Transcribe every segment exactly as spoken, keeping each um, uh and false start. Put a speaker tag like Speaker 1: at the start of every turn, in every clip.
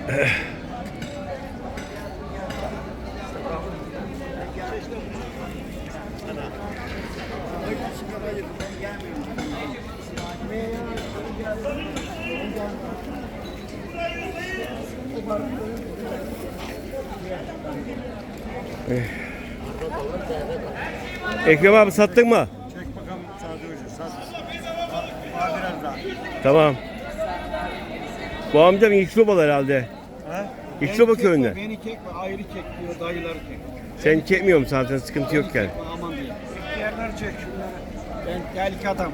Speaker 1: Ekrem abi sattın mı?
Speaker 2: Çek bakalım sadece sat. Var biraz daha.
Speaker 1: Tamam. Bu amcam İkçobalı herhalde.
Speaker 2: He?
Speaker 1: İkçoba köyünde.
Speaker 2: Beni çekme, ayrı çek diyor, dayıları çek.
Speaker 1: Sen çekmiyorum zaten, sıkıntı yok yani.
Speaker 2: Aman diye. Yerler çek şunları. Ben telik adam.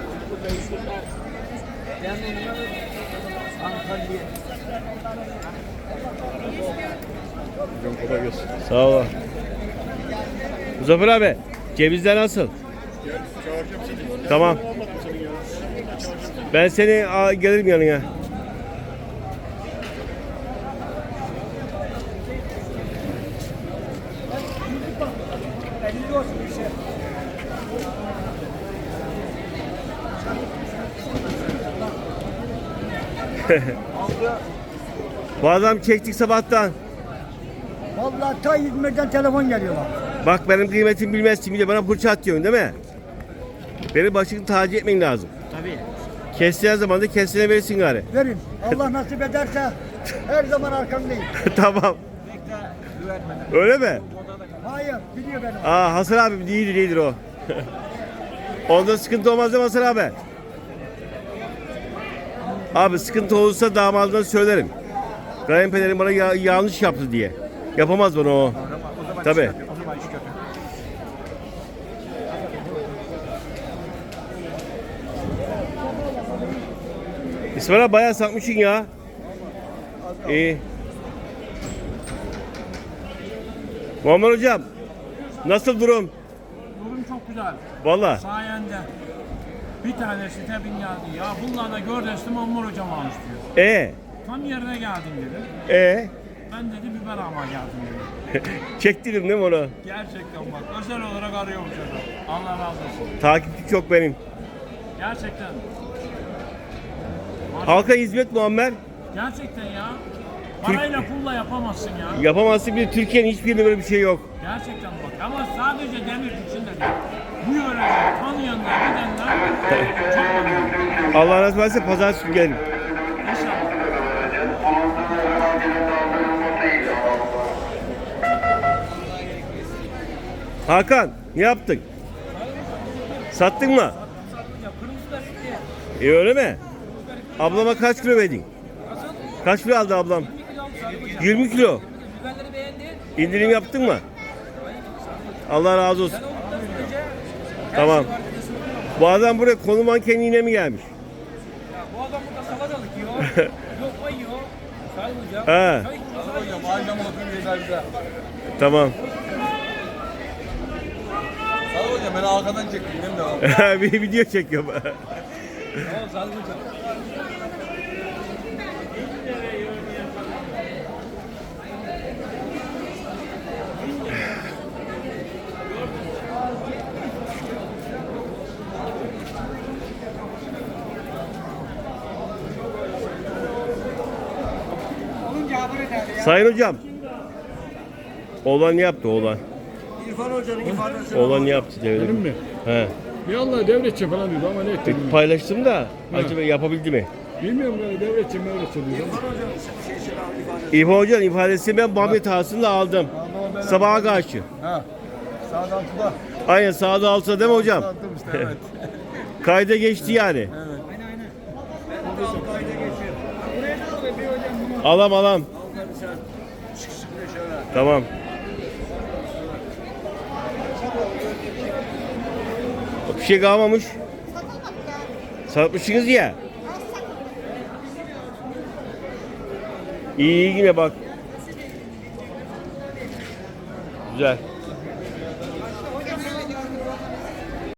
Speaker 2: Ben Antalya.
Speaker 1: Sağ ol. Muzaffer abi, cevizler nasıl? Tamam. Ben seni a, gelirim yanına. Bu adam çektik sabahtan.
Speaker 2: Vallahi ta İzmir'den telefon geliyor bak.
Speaker 1: Bak benim kıymetimi bilmezsin, bir de bana fırça atıyorsun değil mi? Beni başını taci etmen lazım.
Speaker 2: Tabii.
Speaker 1: Kestiğin zaman da kestiğine verirsin gari.
Speaker 2: Verin. Allah nasip ederse her zaman arkamdayım.
Speaker 1: Tamam.
Speaker 2: Bekle, güvenmeden.
Speaker 1: Öyle mi?
Speaker 2: Hayır, biliyor beni.
Speaker 1: Aa Hasan abi değildir değildir o. Onda sıkıntı olmaz değil mi Hasan abi? Abi sıkıntı olursa damadına söylerim. Kayınpederim bana ya- yanlış yaptı diye. Yapamaz bana o. Tabii.
Speaker 2: O zaman iş kötü.
Speaker 1: İsmail abi bayağı satmışsın ya. İyi. Muammer hocam, nasıl durum?
Speaker 3: Durum çok güzel.
Speaker 1: Valla.
Speaker 3: Sayende bir tanesi tebin geldi. Ya bunlarla gördüğüm Ammar hocam almış diyor.
Speaker 1: E
Speaker 3: Tam yerine geldin dedi.
Speaker 1: e
Speaker 3: Ben dedi biber almaya geldim dedi.
Speaker 1: çektirdim değil mi onu?
Speaker 3: Gerçekten bak özel olarak arıyormuş adam. Allah razı olsun.
Speaker 1: Takipçi çok benim.
Speaker 3: Gerçekten.
Speaker 1: Halka hizmet Muammer.
Speaker 3: Gerçekten ya. Parayla pulla yapamazsın ya.
Speaker 1: Yapamazsın, bir de Türkiye'nin hiçbirinde böyle bir şey yok.
Speaker 3: Gerçekten bak. Ama sadece demir için de değil. Bu yörede tanıyanlar, gidenler çok memnun.
Speaker 1: Allah nasip ederse pazartesi günü gelirim.
Speaker 3: İnşallah.
Speaker 1: Hakan, ne yaptın? Sattın mı? E öyle mi? Ablama kaç kilo verdin? Kaç kilo aldı ablam? yirmi kilo. İndirim yaptın mı? Allah razı olsun. Tamam. Bu adam buraya konu mankenliğine mi gelmiş?
Speaker 3: Bu adam burada salatalık yiyor. Lokma yiyor. Sayın hocam.
Speaker 1: He.
Speaker 3: Sayın hocam. Aynen bakın bize.
Speaker 1: Tamam.
Speaker 4: Sağ hocam beni arkadan çektin değil mi?
Speaker 1: Bir video çekiyorum.
Speaker 3: Tamam Sayın hocam.
Speaker 1: Sayın hocam. Oğlan ne yaptı oğlan?
Speaker 2: İrfan Hoca'nın ifadesi.
Speaker 1: Oğlan ne yaptı devlet?
Speaker 5: Benim mi?
Speaker 1: He.
Speaker 5: Bir Allah devletçi falan diyordu ama ne etti bilmiyorum.
Speaker 1: Paylaştım da acaba yapabildi mi?
Speaker 5: Bilmiyorum böyle devletçi mevletçi diyordu.
Speaker 2: İrfan Hoca'nın şeysini aldı ifadesi.
Speaker 1: İbo Hoca'nın ifadesini ben Muhammed Hasan'la aldım. Sabaha karşı.
Speaker 4: Ha. Sağda altıda.
Speaker 1: Aynen sağda alsa değil mi hocam?
Speaker 4: Attım işte evet.
Speaker 1: Kayda geçti yani.
Speaker 2: Aynen aynen. Ben de al kayda geçiyorum. Buraya da al be bir hocam bunu.
Speaker 1: Alam alam.
Speaker 2: Al tabii sen. Sık sık da şöyle.
Speaker 1: Tamam. Bir şey kalmamış. Satmışsınız ya. İyi iyi yine bak. Güzel.